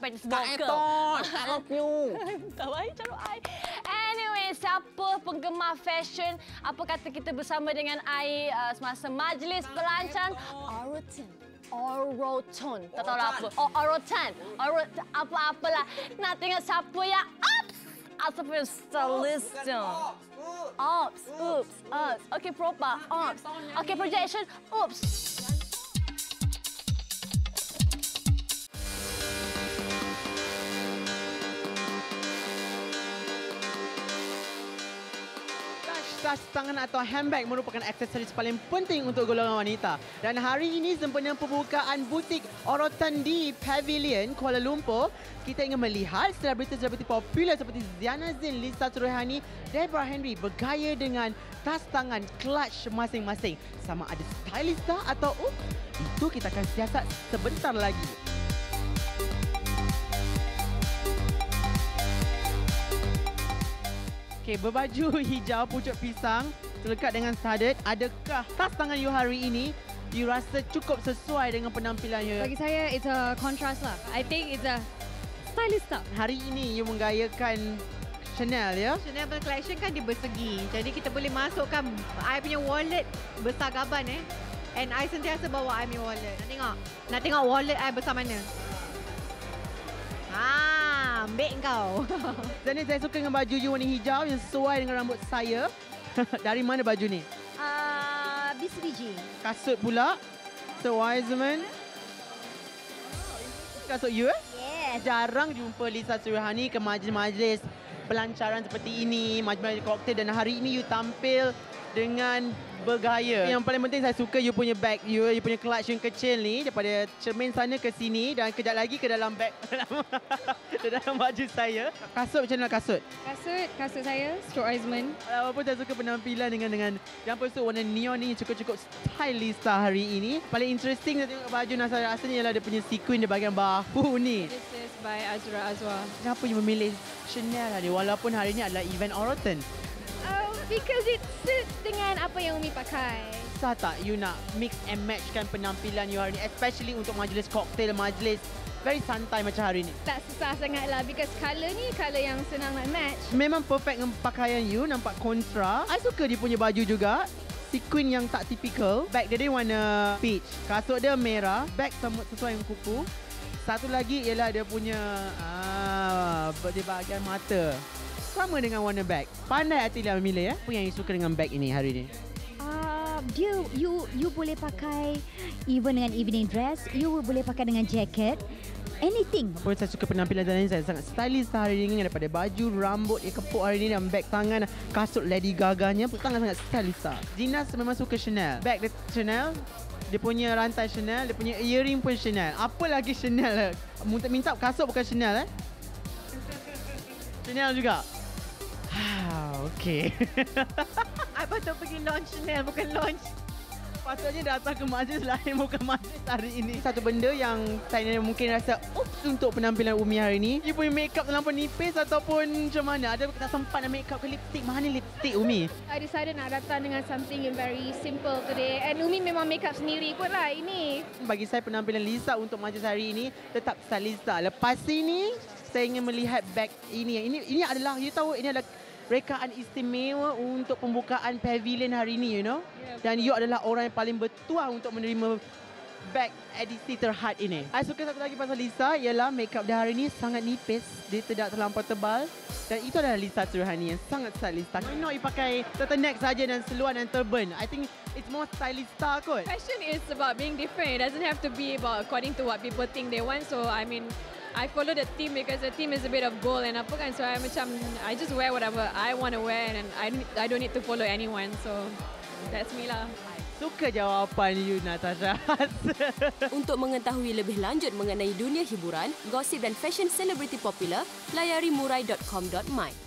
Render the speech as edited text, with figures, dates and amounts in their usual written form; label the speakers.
Speaker 1: practice
Speaker 2: Tak
Speaker 1: vocal.
Speaker 2: I love you.
Speaker 1: Tak baik cara I. Anyway, siapa penggemar fashion? Apa kata kita bersama dengan I semasa majlis pelancaran Oroton. Tak tahu lah apa. Oroton. Apa-apalah. Nak tengok siapa yang ataupun stylist. Oops. Okay, proper. Oops. Okay, projection. Oops.
Speaker 2: Tas tangan atau handbag merupakan aksesoris paling penting untuk golongan wanita. Dan hari ini sempena pembukaan butik Oroton di Pavilion Kuala Lumpur, kita ingin melihat selebriti-selebriti popular seperti Ziana Zain, Lisa Suruhani, Deborah Henry bergaya dengan tas tangan clutch masing-masing. Sama ada stylista atau itu kita akan siasat sebentar lagi. Okey, berbaju hijau pucuk pisang selekat dengan studded. Adakah tas tangan you hari ini you rasa cukup sesuai dengan penampilan you?
Speaker 3: Bagi saya, it's a contrast lah. I think it's a stylist.
Speaker 2: Hari ini you menggayakan Chanel, ya?
Speaker 4: Chanel collection kan dia bersegi. Jadi kita boleh masukkan I punya wallet besar gaban And I sentiasa bawa I punya wallet. Nak tengok wallet I besar mana? Ambil kau.
Speaker 2: Dan saya suka dengan baju you warna hijau yang sesuai dengan rambut saya. Dari mana baju ni?
Speaker 3: BCBG.
Speaker 2: Kasut pula. So Wiseman. Kasut you
Speaker 3: Yes.
Speaker 2: Jarang jumpa Lisa Suruhani ke majlis-majlis pelancaran seperti ini, majlis koktail, dan hari ini you tampil dengan bergaya. Yang paling penting saya suka you punya bag, you punya clutch yang kecil ni daripada cermin sana ke sini dan kejap lagi ke dalam bag ke dalam baju saya. Kasut macam mana kasut?
Speaker 3: Kasut saya, Stuart Eisman.
Speaker 2: Walaupun saya suka penampilan dengan jumpsuit warna neon ni cukup stylista hari ini. Paling interesting saya tengok baju Nasara rasanya ialah dia punya sequin di bahagian bahu ni.
Speaker 3: This is by Azra Azwa.
Speaker 2: Kenapa you memilih Chanel tadi walaupun hari ini adalah event Oroton?
Speaker 3: Because it suits dengan apa yang Umi pakai.
Speaker 2: Susah tak you nak mix and matchkan penampilan you hari ni, especially untuk majlis koktail, majlis very santai macam hari ni?
Speaker 3: Tak susah sangat lah because colour ni colour yang senang nak match.
Speaker 2: Memang perfect dengan pakaian you, nampak kontra. I suka dia punya baju juga. Sequin yang tak typical. Bag dia warna peach. Kasut dia merah. Bag sesuai dengan kuku. Satu lagi ialah dia punya di bahagian mata. Sama dengan warna bag. Pandai Atilia memilih ya. Apa yang you suka dengan bag ini hari ini?
Speaker 5: Dia you boleh pakai even dengan evening dress, you boleh pakai dengan jacket, anything.
Speaker 2: Pun saya suka penampilan Ziana. Saya sangat stylish hari ini daripada baju, rambut yang kepuk hari ini dan bag tangan, kasut Lady Gaga-nya sangat stylish. Gina memang suka Chanel. Bag dia Chanel, dia punya rantai Chanel, dia punya earring pun Chanel. Apa lagi Chanel? Minta kasut bukan Chanel Chanel juga. Okay.
Speaker 4: I patut pergi launch Chanel, bukan launch.
Speaker 2: Patutnya datang ke majlis lain, bukan majlis hari ini. Satu benda yang saya mungkin rasa untuk penampilan Umi hari ini, you punya makeup terlampau nipis ataupun macam mana? Ada tak sempat nak makeup ke lipstick? Mana lipstick Umi?
Speaker 3: I decided nak datang dengan something yang very simple today. And Umi memang makeup sendiri kot lah ini.
Speaker 2: Bagi saya penampilan Lisa untuk majlis hari ini tetap stylista. Lepas ini saya ingin melihat bag ini. Ini adalah, you tahu, ini adalah rekaan istimewa untuk pembukaan pavilion hari ini, you know. Dan you adalah orang yang paling bertuah untuk menerima bag edisi terhad ini. Saya suka satu lagi pasal Lisa ialah makeup dia hari ini sangat nipis. Dia tidak terlampau tebal. Dan itu adalah Lisa Suruhani yang sangat stylista. Why not you pakai turtleneck saja dan seluar dan turban? I think it's more stylista kot.
Speaker 6: Fashion is about being different. It doesn't have to be about according to what people think they want. So I mean, I follow the theme because the theme is a bit of gold and apa kan. So I just wear whatever I want to wear and I don't need to follow anyone. So that's me lah.
Speaker 2: Suka jawapan you, Natasha.
Speaker 7: Untuk mengetahui lebih lanjut mengenai dunia hiburan, gosip dan fashion selebriti popular, layari murai.com.my.